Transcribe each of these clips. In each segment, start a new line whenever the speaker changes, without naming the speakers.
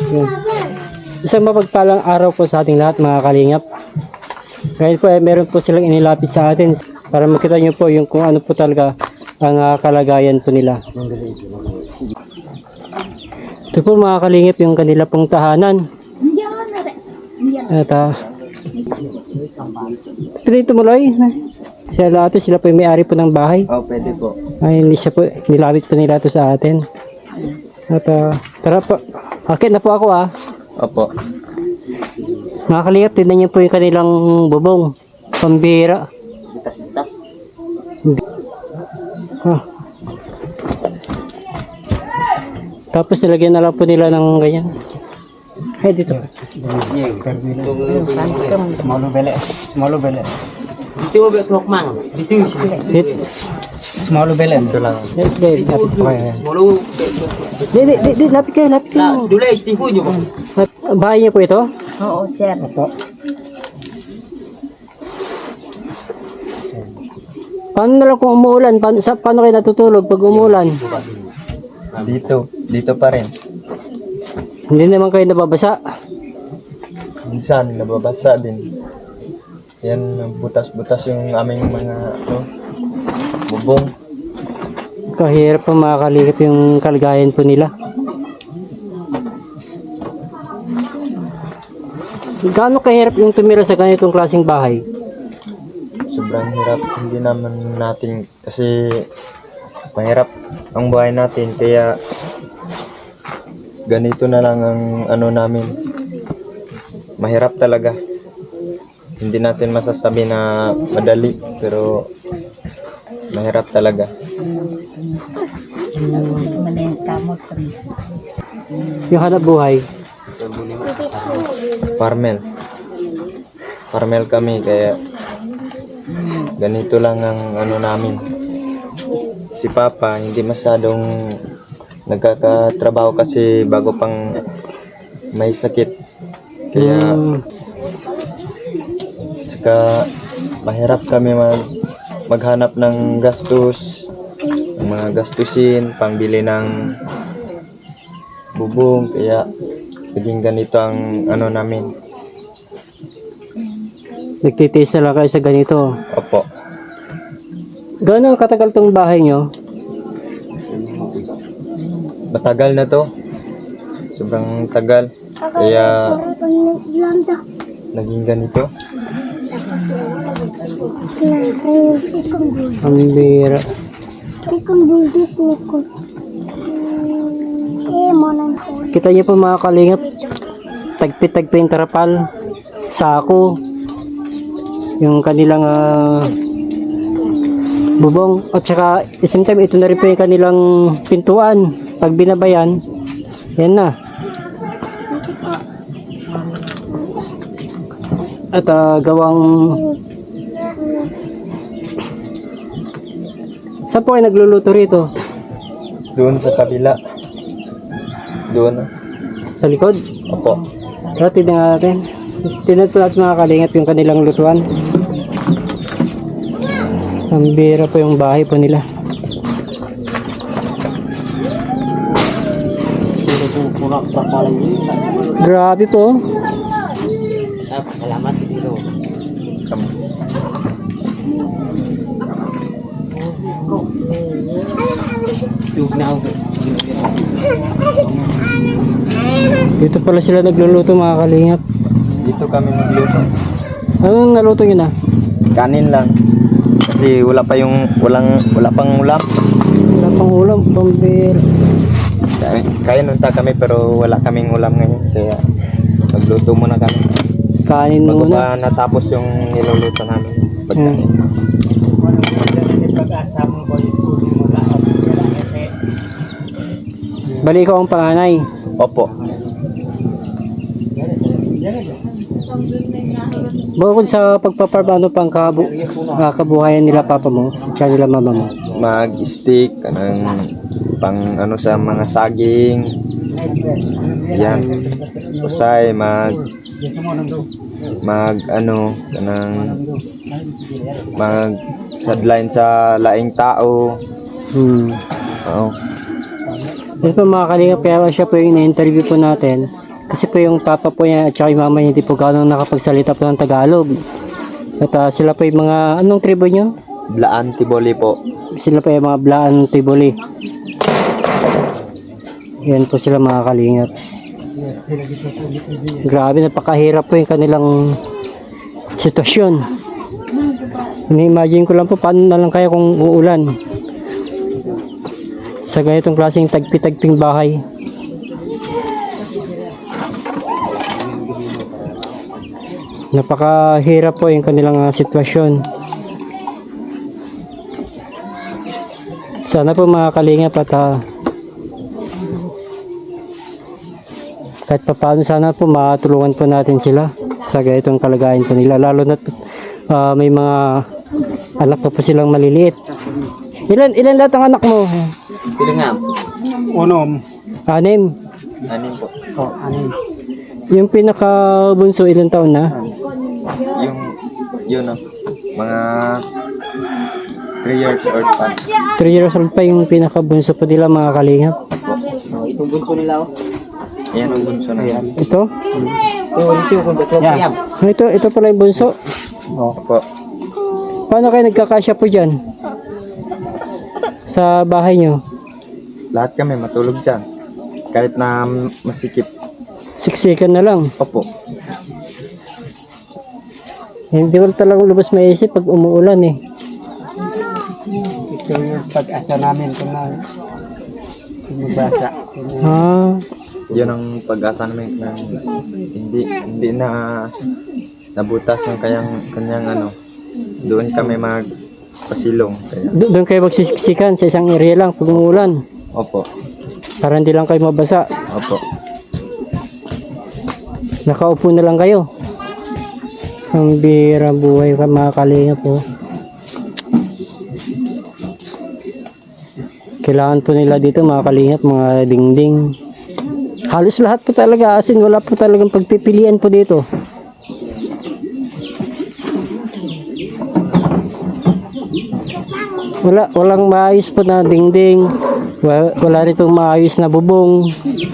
Yun. Isang mapagpalang araw po sa ating lahat mga kalingap. Ngayon po meron po silang inilapit sa atin para makita nyo po yung kung ano po talaga ang kalagayan po nila. Ito po mga kalingap yung kanila pong tahanan. At pwede tumuloy. Sila po yung may-ari po ng bahay.
Oh, pwede po.
Ay, hindi siya po, nilapit po nila ito sa atin. At tara po, akit na po ako
Opo.
Mga kalingap, tignan niyo po yung kanilang bubong. Pambira.
Bitas-bitas.
Tapos nilagyan na lang po nila ng ganyan. Ay, dito.
Small bele. Dito ba ito mang? Dito. Small bele. Ito lang.
Lapit kayo.
Dula, Steve nyo po.
Bahay niyo po ito?
Oo, sir.
Paano na lang kung umuulan? Paano kayo natutulog pag umuulan?
Dito pa rin.
Hindi naman kayo nababasa.
Minsan, nababasa din. Yan, butas-butas yung aming mga bubong.
Kahirap po makakalingap yung kalagayan po nila. Gaano kahirap yung tumira sa ganitong klaseng bahay?
Sobrang hirap. Hindi naman natin kasi mahirap ang buhay natin. Kaya ganito na lang ang namin. Mahirap talaga. Hindi natin masasabi na madali. Pero mahirap talaga.
Yung hanap buhay?
Farmel kami kaya ganito lang ang namin. Si Papa hindi masyadong nagkakatrabaho kasi bago pang may sakit. Kaya saka mahirap kami maghanap ng gastos, mga gastusin, pangbili ng bubong, kaya naging ganito ang namin.
Nagtitiis na lang kayo sa ganito.
Opo.
Gaano katagal tong bahay nyo?
Matagal na to. Sobrang tagal. Kaya naging ganito.
Ang bira. Kita niyo po mga kalingap, tagpi-tagpi yung tarapal, sako, yung kanilang bubong, at saka same time ito na rin po yung kanilang pintuan. Pag binabayan, yan na. At gawang saan po kayo nagluluto rito?
Doon sa kabila. Doon.
Sa likod?
Opo.
Pero tignan natin. Tignan po natin mga kalingap yung kanilang lutuan. Ang bira po yung bahay po nila. Grabe po.
Salamat siguro.
Dito pala sila nagluluto mga kalingap.
Dito kami nagluto.
Anong naluto nyo na?
Kanin lang. Kasi wala pang ulam.
Wala pang ulam, pambira.
Kaya nunta kami pero wala kaming ulam ngayon. Kaya magluto muna kami.
Kanin
Bago
muna.
pa natapos yung niluluto namin. Pagkain.
Bali ko ang panganay.
Opo.
Bukod sa pagpaparm, ano pang kabuhayan nila papa mo, kaya nila mama mo?
Mag-stick, pang sa mga saging. Yan. Usay, sadline sa laing tao.
Oo. Ito mga kalingap, kaya siya po yung na-interview po natin Kasi po yung papa po niya at saka yung mama niya hindi po gano'ng nakapagsalita po ng Tagalog. At sila po yung mga, anong tribo niyo?
Blaan Tiboli po.
Sila po yung mga Blaan Tiboli. Yan po sila mga kalingap. Grabe, napakahirap po yung kanilang sitwasyon. Ini-imagine ko lang po paano na lang kaya kung uulan sa ganitong klaseng tagpi-tagping bahay. Napakahirap po yung kanilang sitwasyon. Sana po mga kalingap at kahit paano sana po matulungan po natin sila sa ganitong kalagayan po nila. Lalo na may mga anak pa po silang maliliit. Ilan lahat ang anak mo?
Pilingam.
Unom.
6.
Anim po.
Oh, anim.
Yung pinakabunso ilang taon na?
Yun mga 3 years old pa.
3 years old pa yung pinakabunso po nila mga kalingap.
Itong bunso nila oh.
Ayan ang bunso na yan.
Ito?
Ito kung beto
Yeah. Ito pala yung bunso.
Oh.
Opo.
Paano kayo nagkakasya po dyan? Sa bahay nyo?
Lahat kami matulog dyan. Kahit na masikip.
Siksikan na lang.
Opo.
Hindi ko talagang lubos maisip pag umuulan eh.
Ito yung pag-asa namin kung na magbasa.
Yun ang pag-asa namin na hindi na nabutas ng kanyang ano. Doon kami magpasilong. Kaya,
Doon kayo magsisiksikan sa isang area lang pag umuulan.
opo.
Para hindi lang kayo mabasa.
Opo.
Nakaupo na lang kayo. Ang bira buhay ka mga kalingap po. Kailangan po nila dito mga kalingap, mga dingding. Halos lahat po talaga, asin wala po talagang pagpipilian po dito. Walang maayos po na dingding. Wala rin pong maayos na bubong.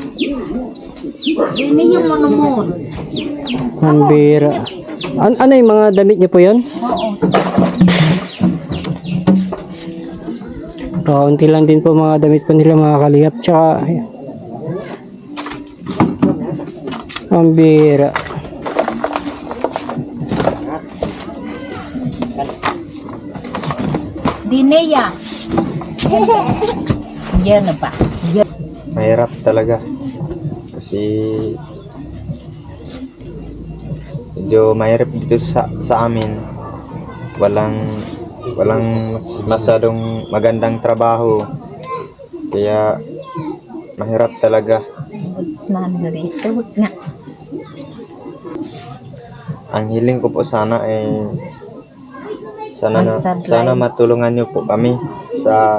Ini yung monomon.
Ang bira. Ano yung mga damit niyo po yun? Kaunti lang din po mga damit po nila mga kalingap. Tsaka ang bira.
Dineya. Yan na ba?
Mahirap talaga. Kasi medyo mahirap dito sa amin. Walang masyadong magandang trabaho. Kaya mahirap talaga.
Budsman rito nga.
Ang hiling ko po sana ay
Magsablay.
sana matulungan niyo po kami sa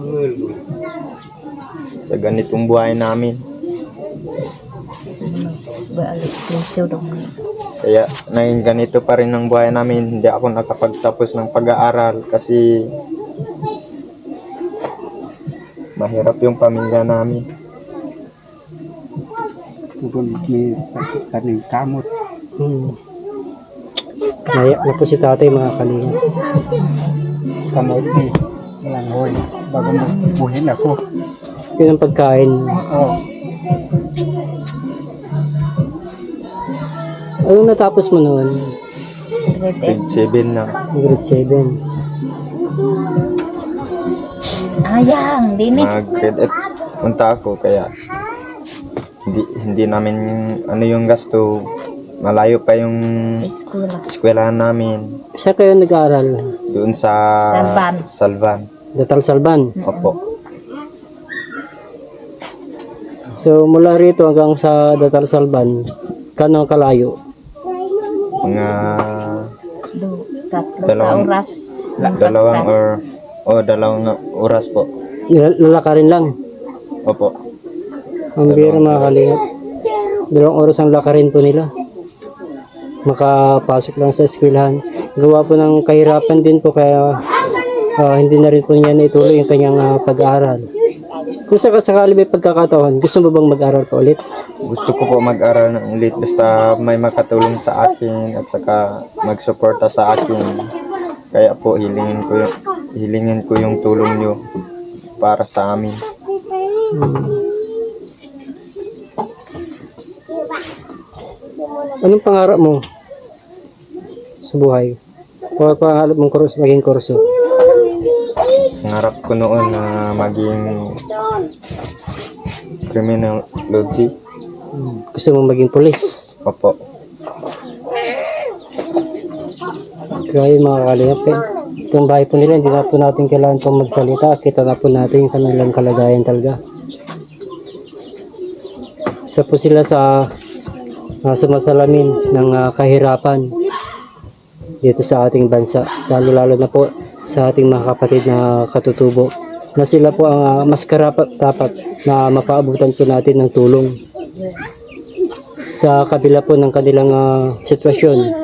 ganitong buhay namin.
Balik puso dong.
Kaya naging ganito pa rin ang buhay namin. Hindi ako nakapagtapos ng pag-aaral kasi mahirap yung pamilya namin.
Kung may kaning kamot.
Naiyak na po si tatay mga kalingap.
Kamot ni. Walang hoy. Bago magbuhin ako.
Yun ang pagkain.
Oh.
Anong natapos mo noon?
Grade 7 na.
Grade 7.
Ayang, dini.
Mag-grade 8 punta ako kaya hindi namin ano yung gasto. Malayo pa yung
Eskwela.
eskwelahan namin.
Saan kayo nag-aaral?
Doon sa Salvan.
Datal Salban.
Opo.
So mula rito hanggang sa Datal Salban, kano kalayo?
Mga
Tatlong oras.
dalawang oras po.
Lalakarin lang.
Opo.
Ang bira mga kalingap. 2 oras ang lakarin po nila. Makapasok lang sa eskwelahan. Gawa po ng kahirapan din po kaya hindi na rin po niya naituloy yung kanyang pag-aaral. Kung sakasakali may pagkakataon, gusto mo bang mag-aral pa ulit?
Gusto ko po mag-aral ng ulit basta may makatulong sa akin at saka magsuporta sa akin. Kaya po hilingin ko yung tulong nyo para sa amin.
Anong pangarap mo sa buhay? O pangarap mong maging kurso?
Pangarap ko noon na maging criminology.
Gusto mo maging pulis?
Opo.
Kaya mga kalingap, itong bahay po nila, hindi na po natin kailangan pong magsalita. Kita na po natin yung kanilang kalagayan talaga. Isa po sila sa sumasalamin ng kahirapan dito sa ating bansa. Lalo na po sa ating mga kapatid na katutubo. Na sila po ang mas karapat dapat na mapaabutan po natin ng tulong. Sa kabila po ng kanilang sitwasyon.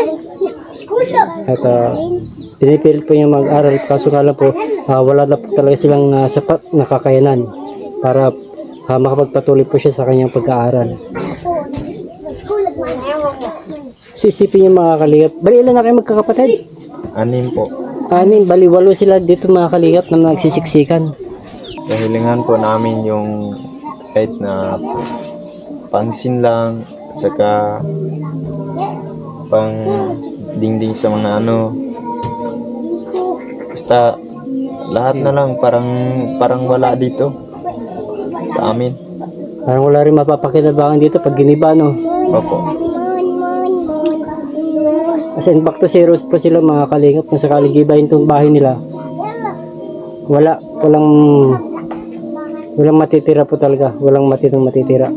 At pinipilit po yung mag-aral, kaso nga lang po wala na po talaga silang sapat na kakayanan para makapagpatuloy po siya sa kanyang pag-aaral. Sisipin yung mga kalingap. Bali, ilan na kayo magkakapatid?
6 po.
6, bali 8 sila dito mga kalingap na nagsisiksikan.
Kahilingan po namin yung kahit na pangsin lang at saka pang dingding sa mga basta lahat na lang parang wala dito sa amin.
Parang wala rin mapapakinabangan dito pag giniba, no?
Opo.
As in, back to zero po sila mga kalingap. Kung sakaling gibahin itong bahay nila, walang matitira po talaga. Walang matitira.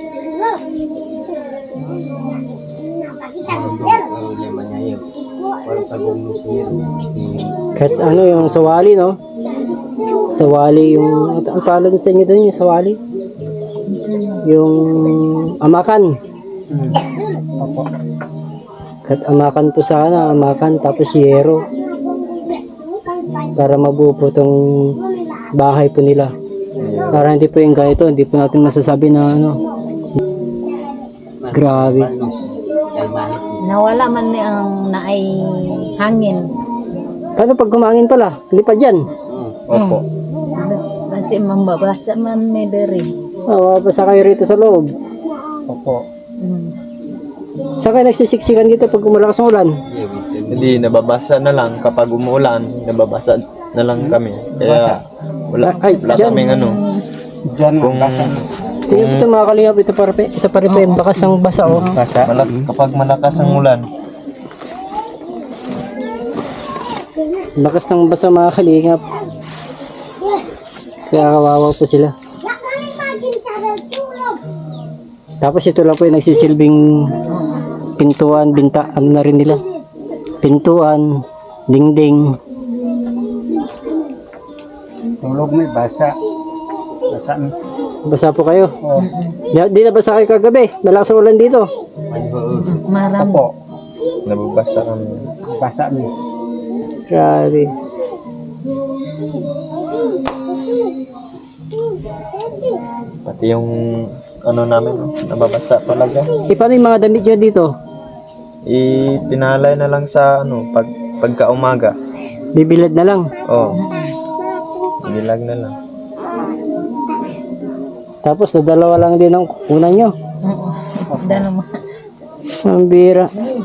Kahit yung sawali, no? Sawali yung, ang salan sa inyo doon, yung sawali? Yung amakan.
Opo.
Kahit amakan po sana, amakan tapos yero. Para mabuo po itong bahay po nila. Para hindi po yung ganito, hindi po natin masasabi na grabe.
Nawala man ni ang naay hangin.
Paano pag kumangin pala? Hindi pa dyan.
Opo.
Kasi mambabasa man may diri.
Basta kayo rito sa loob.
Opo.
Saan kayo nagsisiksikan dito pag malakas ang ulan?
Hindi, nababasa na lang kapag umuulan, nababasa na lang kami. Kaya wala
dyan.
kaming
Diyan
kung
Tingnan ito mga kalingap, ito pa rin yung bakas ng basa, oh.
kapag malakas ang ulan,
Bakas ng basa mga kalingap. Kaya kawawa po sila. Tapos ito lang po yung nagsisilbing pintuan, ano na rin nila. Pintuan, dingding.
tulog may basa. Basa mi.
Basa po kayo.
Oh.
Di na basa kayo kagabi. Malakas ang ulan dito.
Maram.
Opo.
nababasa kami.
Basa mi.
Grabe.
Pati yung namin, nababasa talaga.
Paano yung mga damit nyo dito?
Ipinalay na lang sa pagka umaga.
Bibilad na lang.
Oh. Nilag na lang.
Tapos dalawa lang din ang kukunan nyo.
Dalawa.
Ang bira.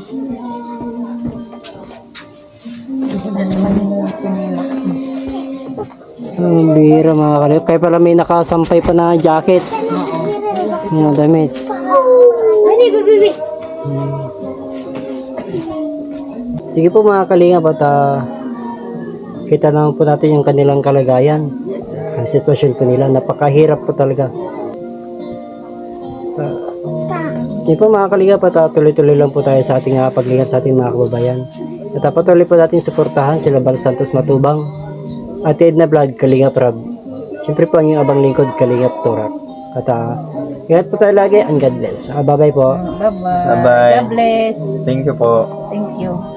Ang bira mga kalip. Kaya pala may nakasampay pa na jacket. Mga damit. Sige po mga kalingap at kita naman po natin yung kanilang kalagayan. Ang sitwasyon po nila. Napakahirap po talaga. Yun po mga kalingap at tuloy-tuloy lang po tayo sa ating paglingap sa ating mga kababayan. At patuloy po natin suportahan sila Bal Santos Matubang at Edna Vlog Kalingap Rab. Siyempre po ang inyong abang lingkod Kalingap Turak. At ingat po tayo lagi and God bless. Bye bye po.
Bye-bye.
Bye-bye.
God bless.
Thank you po.
Thank you.